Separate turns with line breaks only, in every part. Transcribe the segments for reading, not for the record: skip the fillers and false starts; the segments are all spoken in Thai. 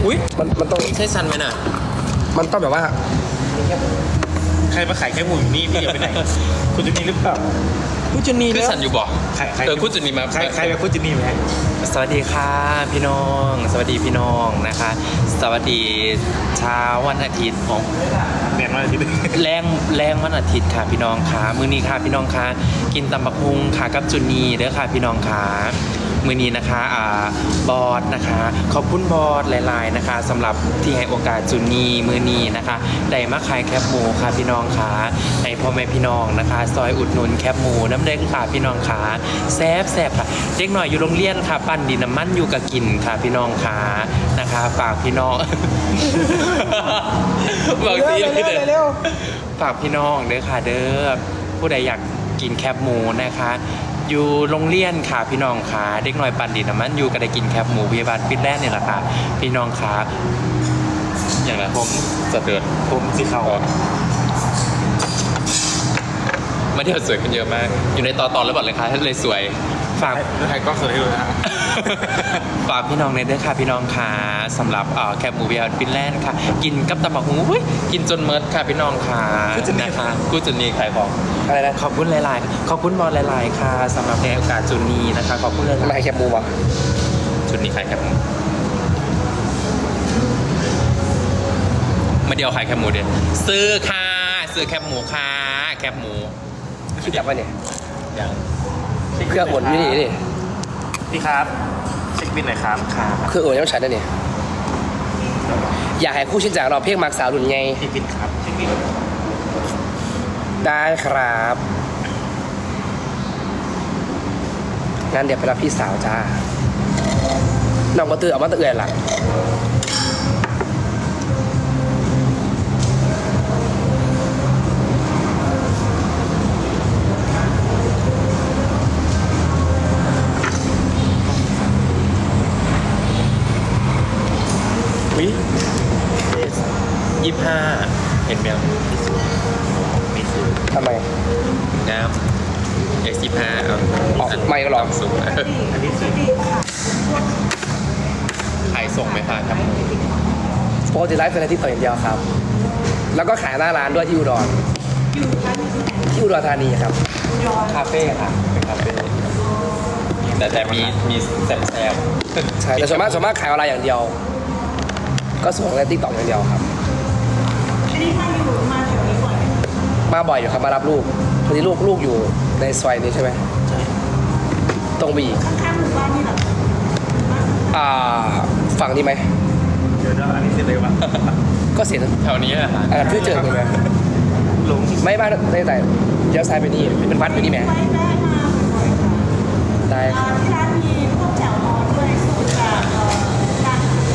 อุ้ย
มันต้อง
ใช่ซันไหมน่ะ
มันต้องแบบว่า
ใครมาขายแค่หมูอยู่นี่พี่อย่าไปไหนคุณจะมีหรือเปล่า
ผู้จุนี
คือ
แล้ว
ซันอยู่บ่
ใคร
คุณจะมีมา
ใครแบบคุณจะมีไหม
สวัสดีค่ะพี่น้อง สวัสดีพี่น้องนะคะ สวัสดีเช้าวันอาทิตย์ของ
แมนว่าที่นี่
แรงวันอาทิตย์ค่ะพี่น้องค่ะมื้อนี้ค่ะพี่น้องค่ะกินตำบักหุ่งค่ะกับจุนีเด้อค่ะพี่น้องค่ะมื้อนี้นะคะบอสนะคะขอบคุณบอสหลายๆนะคะสำหรับที่ให้โอกาสจุนีมื้อนี้นะคะได้มาขายแคบหมูค่ะพี่น้องค่ะให้พ่อแม่พี่น้องนะคะ ซอยอุดหนุนแคบหมูน้ำเด้งค่ะพี่น้องค่ะแซ่บค่ะเด็กหน่อยอยู่โรงเรียนค่ะปั้นดินน้ำมันอยู่กับกินค่ะพี่น้องค่ะนะคะฝากพี่น้อง บอกสิ
เร็ว
ฝากพี่น้องเด้อค่ะเด้อผู้ใดอยากกินแคบหมูนะคะ อยู่โรงเรียนค่ะพี่น้องค่ะเด็กน้อยปันดินน้ำมันอยู่ก็ได้กินแคบหมูพยาบาลฟิตแลนด์เนี่ยแหละค่ะพี่น้องค่ะอย่างไรผมจะเดือด
ผมสีขาว
มาเที่ยวสวยกันเยอะมากอยู่ในต่อแล้วบอกเลยค่ะเลยสวยฝาก
ใครก็สวยให้ดูนะฮะ
ฝากพี่น้องในเด้อค่ะพี่น้องค่ะสำหรับแคบหมูพยาบาลฟินแลนด์ค่ะกินกับตำบักหุ่งอุ้ยกินจนเมิดค่ะพี่น้องค่ะนะคะกูจุนีขายของ
อะไรนะ
ขอบคุณหลายๆ ขอบคุณบอลหลายๆ ค่ะสำหรับในโอกาสจุดนี้นะคะ ขอบคุณหลาย
ทำไมแคบหมูวะ
ๆจุดนี้ขายแคบหมูมาเดียวขายแคบหมูเดียวซื้อค่ะซื้อแคบหมูค่ะแคบหมู
คิดจับวะเนี่ย
อย่าง
เครื่องอุ่นอยู่นี่นี่
พี่ครับเช็คบินหน่อยครับ
ค่ะ
เครื่องอุ่นยังใช้ได้เนี่ยอยากให้คู่ชิ้นจากเราเพียงมักสาวรุ่นไง
เช็คบินครับเช็คบิน
ได้ครับงั้นเดี๋ยวไปรับพี่สาวจ้าน้องมาตื่นออกมาตื่นหลัง
วิ25เห็นไหม
มีซื้อ
ทำไม
น้ำ X25 เอา
ออกไม่ก็หรอ
สูง
อันนี้ซื้อ
ขายส่งไหมคะแคบหมู
ปกติไลฟ์เป็นอะไรที่เปิดอย่างเดียวครับ แล้วก็ขายหน้าร้านด้วยที่อุดรที่อุดรธานีครับ
คาเฟ่ค่ะเป็นคาเฟ่แต่มีแซ่บๆ
ใช่แต่ส่วนมากขายออนไลน์อย่างเดียว ก็ส่งในติ๊กต็อกอย่างเดียวครับ
อันนี้มาอยู่มาแถวนี้บ่อยไหม
มาบ่อยอยู่ครับมารับลูกพอดีลูกอยู่ในซอยนี้ใช่ไหมตรงไปอีก
ข้างๆหมู่บ้านนี่เหรอ
ฝั่งนี้ไหม
เดี๋ยวอันนี้ซื้อเลยวะ
ก็เสีย
แถวนี้อะค่ะ
เพื่อเจอกันไหม
ลง
ไม่บ้านในแต่เลี้ยวซ้ายไปนี่เป็นวัดไปนี่ไหม
ไปแม่มาบ่อยๆค่ะ
ได้ครับ
ที่ร้านมีพวกแจ่วฮอนด้วยสูตรจากร้าน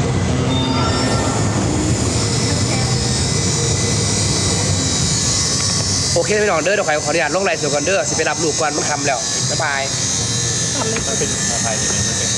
โอเคพี่น้องเด้อเดี๋ยวขออนุญาตลงไลน์สดก่อนเด้อสิไปรับลูกก่อนมันคำแล้วบ๊ายบาย
มันเป็นชาไทยดีไหมมันเป็น